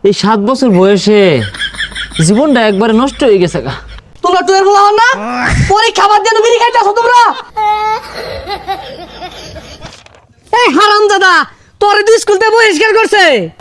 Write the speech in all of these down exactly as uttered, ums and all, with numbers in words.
এই সাত বছর বয়সে জীবনটা একবারে নষ্ট হয়ে গেছে গা। তোমরা টুয়ের বলা হন না পরীক্ষা বাদ দিয়ে বিড়ি খাইতেছো তোমরা। এই হারাম দাদা তোর দুই স্কুলতে বহিষ্কার করছে।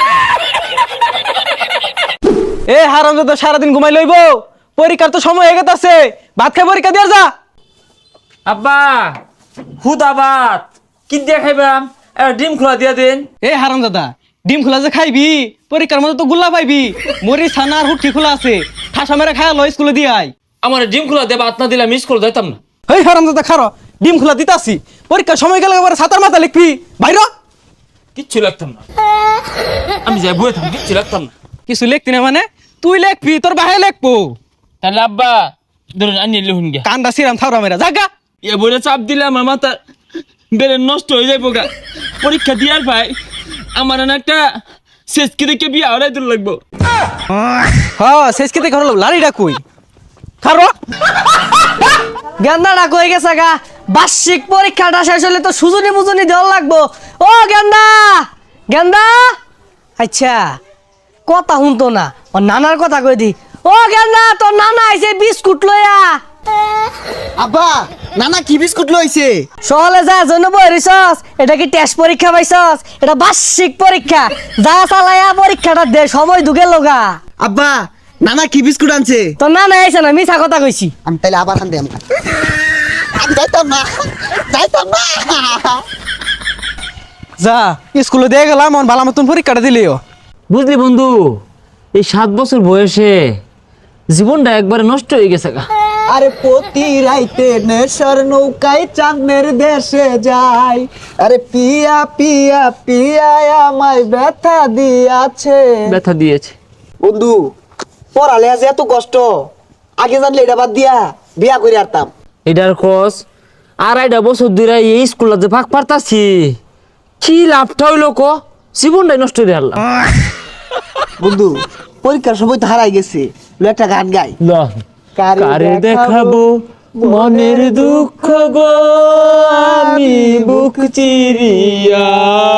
এ হারামজাদা সারাদিন ঘুমাই লইব, পরীক্ষার তো সময় হয়ে গেছে, ভাত খাই পরীক্ষা দিয়ে যা। আব্বা হুদাবাদ কি দিয়ে খাইবাম, ডিম খোলা দিয়া দেন। এ হারামজাদা ডিম খোলা যে খাইবি, পরীক্ষার মধ্যে তো গুল্লা পাইবি, মরি ছানা আর হুটকি খোলা আছে, ঠাসা মেরে খায়া লো স্কুলে দিয়ে আই। আমার ডিম খোলা দেবা ভাত না দিলে মিস করে যাইতাম না। এই হারামজাদা খারো, ডিম খোলা দিতাছি, পরীক্ষার সময় গেলে এবার ছাতার মাথা লিখবি, বাইর কিচ্ছু লাগতাম না, আমি যাই বয়ে থাম, কিচ্ছু লাগতাম না। কিছু লিখতি না মানে তুই লিখবি, তোর বাহে লিখবো। তাহলে আব্বা ধরুন আনি লিখুন গিয়া। কান্দা সিরাম থাউরা মেরা জাগা। এ বইটা চাপ দিলে আমার মাথা বেড়ে নষ্ট হয়ে যাইব গা। পরীক্ষা দিয়ার ভাই আমার না একটা শেষ কি দেখে বিয়া হলাই দূর লাগবো। হ্যাঁ শেষ কেতে ঘর লাড়িটা কই খারো। গেন্দাটা কই গেছে গা, বার্ষিক পরীক্ষাটা শেষ হলে তো সুজনি মুজনি দেওয়া লাগবো। ও গেন্দা গেন্দা, আচ্ছা কথা শুনতো না, ও নানার কথা কই দি। ও গেন্দা তোর নানা আইছে বিস্কুট লইয়া। আব্বা নানা কি বিস্কুট লইছে? সহলে যা জন্য বইরিছস, এটা কি টেস্ট পরীক্ষা পাইছস? এটা বার্ষিক পরীক্ষা, যা চালায়া পরীক্ষাটা দে, সময় দুগে লগা। আব্বা নানা কি বিস্কুট আনছে? তোর নানা আইছে না, মিছা কথা কইছি। আমি তাইলে আবার আনতে আমি আমি যাইতাম না, যাইতাম না। যা স্কুলে দিয়ে গেলাম, আমার ভালো মতন পরীক্ষাটা দিলিও। বুঝলি বন্ধু, এই সাত বছর বয়সে জীবনটা একবারে নষ্ট হয়ে গেছে গা। আরে প্রতি রাইতে নেশার নৌকায় চাঁদের দেশে যাই, আরে পিয়া পিয়া পিয়া আমায় ব্যথা দিয়াছে। ব্যথা দিয়েছে বন্ধু পড়ালে আজ এত কষ্ট, আগে জানলে এটা বাদ দিয়া বিয়া করে আরতাম। এটার খোঁজ আড়াইটা বছর ধরে এই স্কুলে যে ভাগ পারতাছি, কি লাভটা হইলো ক, জীবনটাই নষ্ট হয়ে হারলাম। বন্ধু পরীক্ষার সময় তো হারাই গেছে, লো একটা গান গাই। কারে দেখাবো মনের দুঃখ গো, আমি বুক চিরিয়া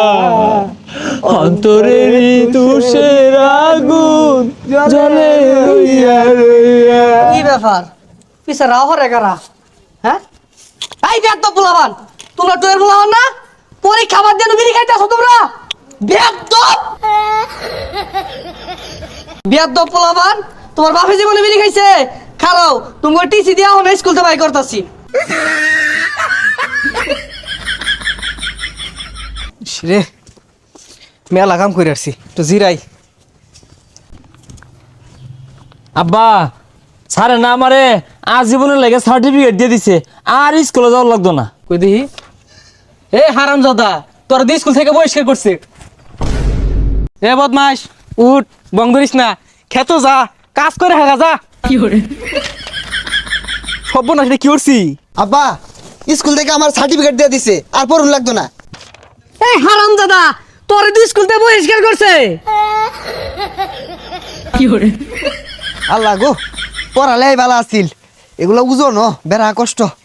অন্তরের তুষের আগুন জ্বলে রইয়া রইয়া। কি ব্যাপার পিছে রাও হরে কারা? হ্যাঁ এই বেদ পোলাবান, তোমরা টুয়ের পোলাবান না, পরীক্ষা বাদ দিয়ে বিড়ি খাইতেছো তোমরা। বেদ বেদ পোলাবান, তোমার বাপে জীবনে বিড়ি খাইছে, খারাও তুমি টিসি দিয়া হন স্কুল থেকে বাই করতাছি। রে মেলা কাম করে আসছি, তো জিরাই। আব্বা স্যারে না আমারে আজীবনের লেগে সার্টিফিকেট দিয়ে দিছে, আর স্কুলে যাওয়ার লাগতো না। কই দেখি। এ হারামজাদা তোর দিয়ে স্কুল থেকে বহিষ্কার করছে। এ বদমাস উঠ, বং ধরিস না, খেতো যা, কাজ করে হাগা যা। কি করে সব না কি করছি? আব্বা স্কুল থেকে আমার সার্টিফিকেট দিয়ে দিছে, আর পড়ুন লাগতো না। এই হারাম দাদা তোর দুই স্কুল থেকে বহিষ্কার করছে। কি করে আল্লাহ গো পড়ালে ভালো আছিল, এগুলো বুঝো ন বেড়া কষ্ট।